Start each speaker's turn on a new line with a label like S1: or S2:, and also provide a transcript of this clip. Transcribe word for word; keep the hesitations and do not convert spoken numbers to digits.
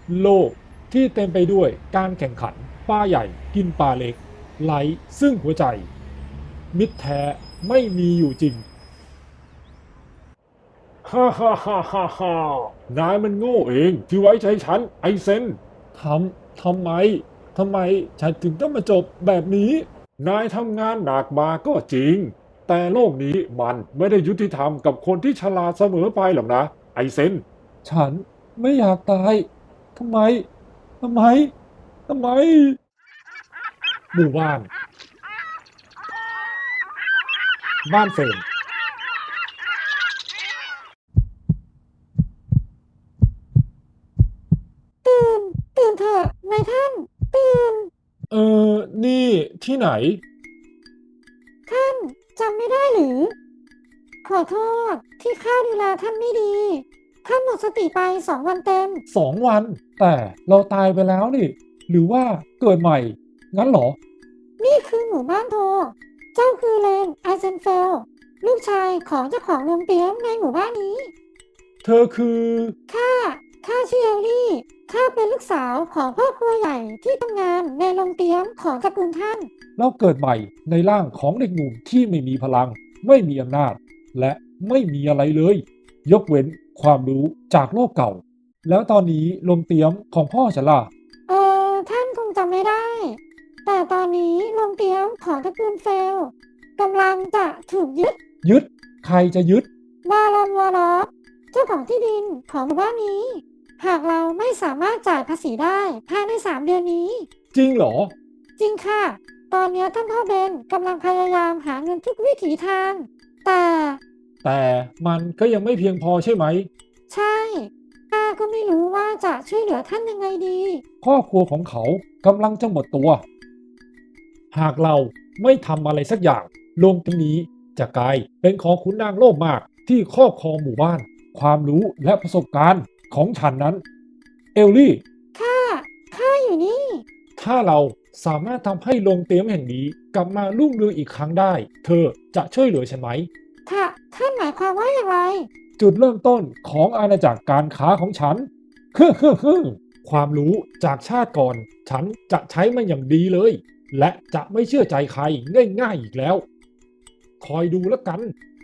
S1: โลกที่เต็มไปด้วยการแข่งขันปลาใหญ่กินปลาเล็กไร้ซึ่งหัวใจมิตรแท้ไม่มีอยู่จริงฮ่าฮ่าฮ่าฮ่าฮ่านายมันโง่เองที่ไว้ใจฉันไอเซนทำทำไมทำไมฉันถึงต้องมาจบแบบนี้นายทำงานหนักมาก็จริงแต่โลกนี้มันไม่ได้ยุติธรรมกับคนที่ฉลาดเสมอไปหรอกนะไอเซนฉันไม่อยากตายทำไมทำไมทำไมหมู่บ้านบ้านเฟรม
S2: ตื่นตื่นเถอะนายท่านตื่น
S1: เออ นี่ที่ไหน
S2: ท่านจำไม่ได้หรือขอโทษที่ข้าดูแลท่านไม่ดีท่านหมดสติไปสองวันเต็ม
S1: สองวัน แต่เราตายไปแล้วนี่ หรือว่าเกิดใหม่ งั้นเหรอ
S2: นี่คือหมู่บ้านโทเจ้าคือเลนไอเซนเฟลลูกชายของเจ้าของโรงเตรียมในหมู่บ้านนี้
S1: เธอคือ
S2: ข้าข้าชื่อเอลลี่ข้าเป็นลูกสาวของพ่อครัวใหญ่ที่ทำงานในโรงเตรียมของตระกูลท่าน
S1: เราเกิดใหม่ในร่างของเด็กหนุ่มที่ไม่มีพลัง ไม่มีอำนาจ และไม่มีอะไรเลย ยกเว้นความรู้จากโลกเก่า แล้วตอนนี้ลมเตรียมของพ่อฉันล่ะ
S2: เออท่านคงจำไม่ได้ แต่ตอนนี้โรงเตรียมของตระกูลเฟลกำลังจะถูกยึด
S1: ยึด ใครจะยึด
S2: บารอนวอลล์เจ้าของที่ดินของหมู่บ้านนี้ หากเราไม่สามารถจ่ายภาษีได้ภายในสามเดือนนี้
S1: จริงเหรอ
S2: จริงค่ะ ตอนนี้ท่านพ่อเบนกำลังพยายามหาเงินทุกวิถีทาง แต่
S1: แต่มันก็ยังไม่เพียงพอใช่ไหม
S2: ใช่ข้าก็ไม่รู้ว่าจะช่วยเหลือท่านยังไงดี
S1: ครอบครัวของเขากำลังจะหมดตัว หากเราไม่ทำอะไรสักอย่างโลกนี้จะกลายเป็นของขุนนางโลภมากที่ครอบครองหมู่บ้าน ความรู้และประสบการณ์ของฉันนั้น เอลลี่
S2: ข้าข้าอยู่นี่
S1: ถ้าเราสามารถทำให้โรงเตรียมแห่งนี้กลับมารุ่งเรืองอีกครั้งได้ เธอจะช่วยเหลือฉันไหม
S2: ค่ะท่านหมายความว่าอย่างไร
S1: จุดเริ่มต้นของอาณาจักรการค้าของฉันคือคือคือความรู้จากชาติก่อน ฉันจะใช้มันอย่างดีเลย และจะไม่เชื่อใจใครง่ายๆอีกแล้ว คอยดูแล้วกัน